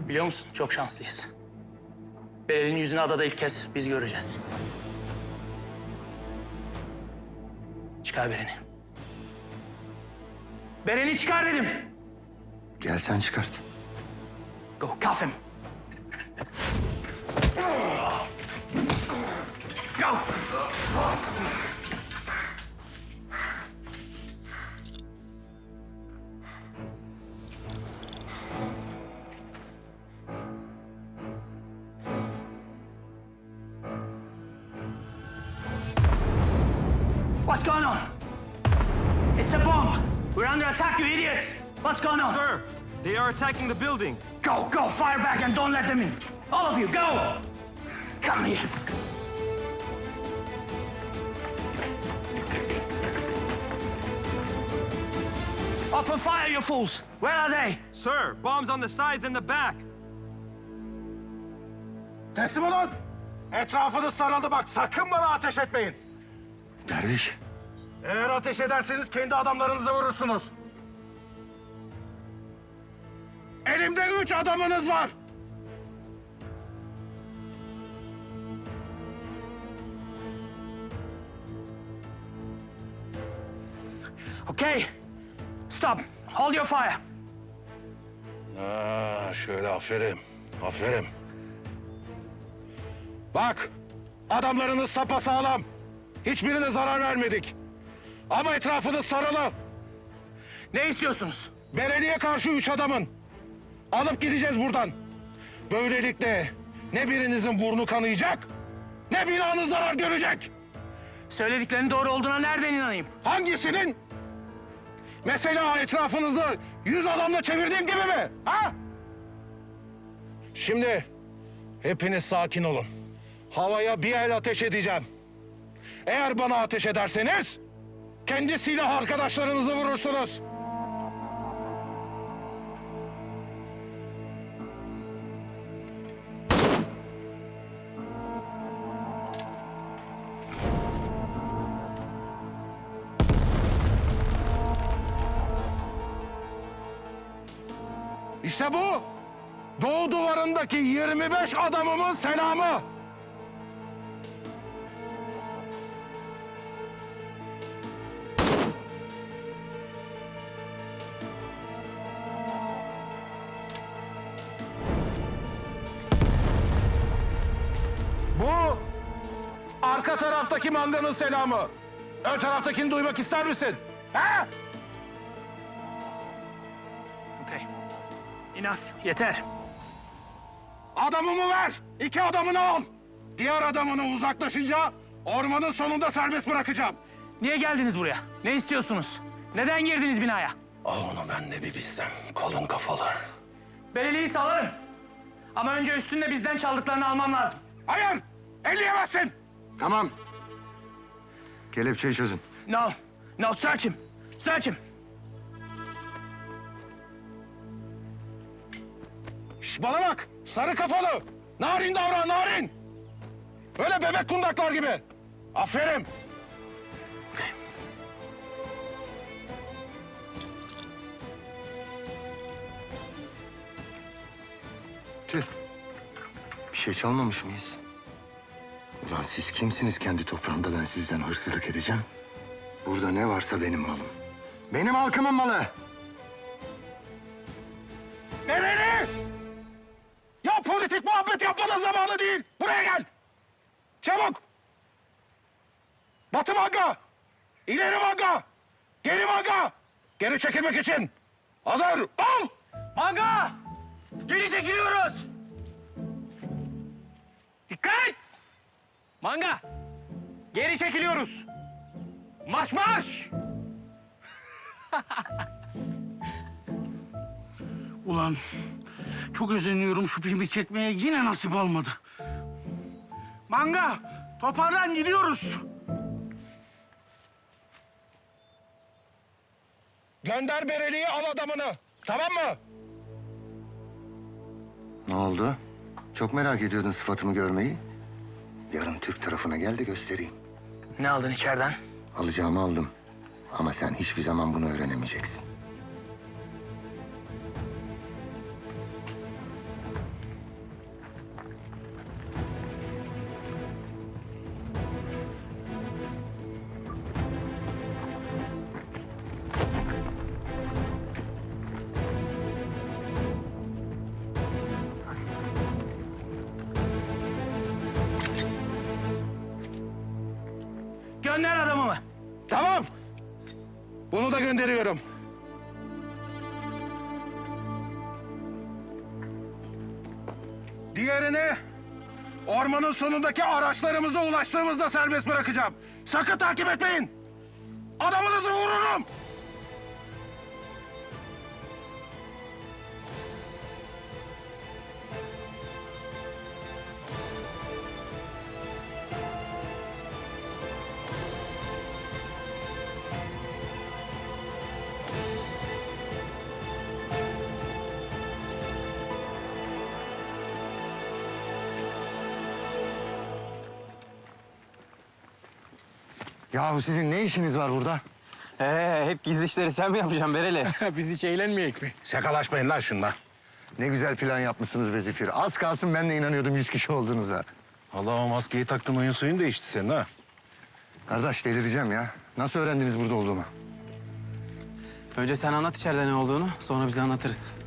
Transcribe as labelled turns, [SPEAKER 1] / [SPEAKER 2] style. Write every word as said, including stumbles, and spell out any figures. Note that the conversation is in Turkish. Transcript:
[SPEAKER 1] Biliyor musun? Çok şanslıyız. Beril'in yüzünü adada ilk kez biz göreceğiz. Çıkar Beren'i. Beren'i çıkar dedim.
[SPEAKER 2] Gel sen çıkart.
[SPEAKER 1] Go, cuff him. Go. What's going on? It's a bomb. We're under attack, you idiots. What's going on?
[SPEAKER 3] Sir, they are attacking the building.
[SPEAKER 1] Go, go, fire back and don't let them in. All of you, go! Come here. Open fire, you fools! Where are they?
[SPEAKER 3] Sir, bombs on the sides and the back.
[SPEAKER 4] Teslim olun. Etrafınız sarıldı bak. Sakın bana ateş etmeyin.
[SPEAKER 2] Derviş.
[SPEAKER 4] Eğer ateş ederseniz kendi adamlarınıza vurursunuz. Elimde üç adamınız var.
[SPEAKER 1] Okay. Stop. Hold your fire.
[SPEAKER 4] Ha, şöyle aferin. Aferin. Bak. Adamlarınız sapasağlam. Hiçbirine zarar vermedik. Ama etrafınız sarılı.
[SPEAKER 1] Ne istiyorsunuz?
[SPEAKER 4] Belediye karşı üç adamın. Alıp gideceğiz buradan. Böylelikle ne birinizin burnu kanayacak, ne binanız zarar görecek.
[SPEAKER 1] Söylediklerinin doğru olduğuna nereden inanayım?
[SPEAKER 4] Hangisinin? Mesela etrafınızı yüz adamla çevirdiğim gibi mi? Ha? Şimdi hepiniz sakin olun. Havaya bir el ateş edeceğim. Eğer bana ateş ederseniz kendi silah arkadaşlarınızı vurursunuz. İşte bu. Doğu duvarındaki yirmi beş adamımın selamı. Bu arka taraftaki manganın selamı. Ön taraftakini duymak ister misin? Ha?
[SPEAKER 1] Okay. Enough. Yeter.
[SPEAKER 4] Adamımı ver. İki adamını al. Diğer adamını uzaklaşınca ormanın sonunda serbest bırakacağım.
[SPEAKER 1] Niye geldiniz buraya? Ne istiyorsunuz? Neden girdiniz binaya?
[SPEAKER 4] Ah onu ben de bir bilsem. Kalın kafalı.
[SPEAKER 1] Belediyeyi salarım. Ama önce üstünde bizden çaldıklarını almam lazım.
[SPEAKER 4] Hayır. Elleyemezsin.
[SPEAKER 2] Tamam. Kelepçeyi çözün.
[SPEAKER 1] No. No, search him. Search him.
[SPEAKER 4] Şş, bana bak. Sarı kafalı. Narin davran, narin. Öyle bebek kundaklar gibi. Aferin.
[SPEAKER 2] Tüh. Bir şey çalmamış mıyız? Ulan siz kimsiniz kendi toprağımda ben sizden hırsızlık edeceğim? Burada ne varsa benim malım. Benim halkımın malı.
[SPEAKER 4] Nereli? Ya politik muhabbet yapmanın zamanı değil. Buraya gel. Çabuk. Batı manga. İleri manga. Geri manga. Geri çekilmek için. Hazır. Al.
[SPEAKER 1] Manga! Geri çekiliyoruz! Dikkat! Manga! Geri çekiliyoruz! Marş marş!
[SPEAKER 5] Ulan çok özeniyorum şu filmi çekmeye, yine nasip olmadı. Manga, toparlan gidiyoruz.
[SPEAKER 4] Gönder Bereli'yi, al adamını. Tamam mı?
[SPEAKER 2] Ne oldu? Çok merak ediyordun sıfatımı görmeyi. Yarın Türk tarafına gel de göstereyim.
[SPEAKER 1] Ne aldın içeriden?
[SPEAKER 2] Alacağımı aldım. Ama sen hiçbir zaman bunu öğrenemeyeceksin.
[SPEAKER 1] Gönder adamımı.
[SPEAKER 4] Tamam. Bunu da gönderiyorum. Diğerini ormanın sonundaki araçlarımıza ulaştığımızda serbest bırakacağım. Sakın takip etmeyin. Adamınızı vururum.
[SPEAKER 2] Yahu sizin ne işiniz var burada?
[SPEAKER 6] Ee, hep gizli işleri sen mi yapacaksın Bereli?
[SPEAKER 5] Biz hiç eğlenmeyek mi?
[SPEAKER 4] Şakalaşmayın lan şunla.
[SPEAKER 2] Ne güzel plan yapmışsınız be Zifir. Az kalsın ben de inanıyordum yüz kişi olduğunuza.
[SPEAKER 4] Allah o maskeyi taktın oyun suyun değişti senin ha.
[SPEAKER 2] Kardeş delireceğim ya. Nasıl öğrendiniz burada olduğumu?
[SPEAKER 6] Önce sen anlat içeride ne olduğunu, sonra bize anlatırız.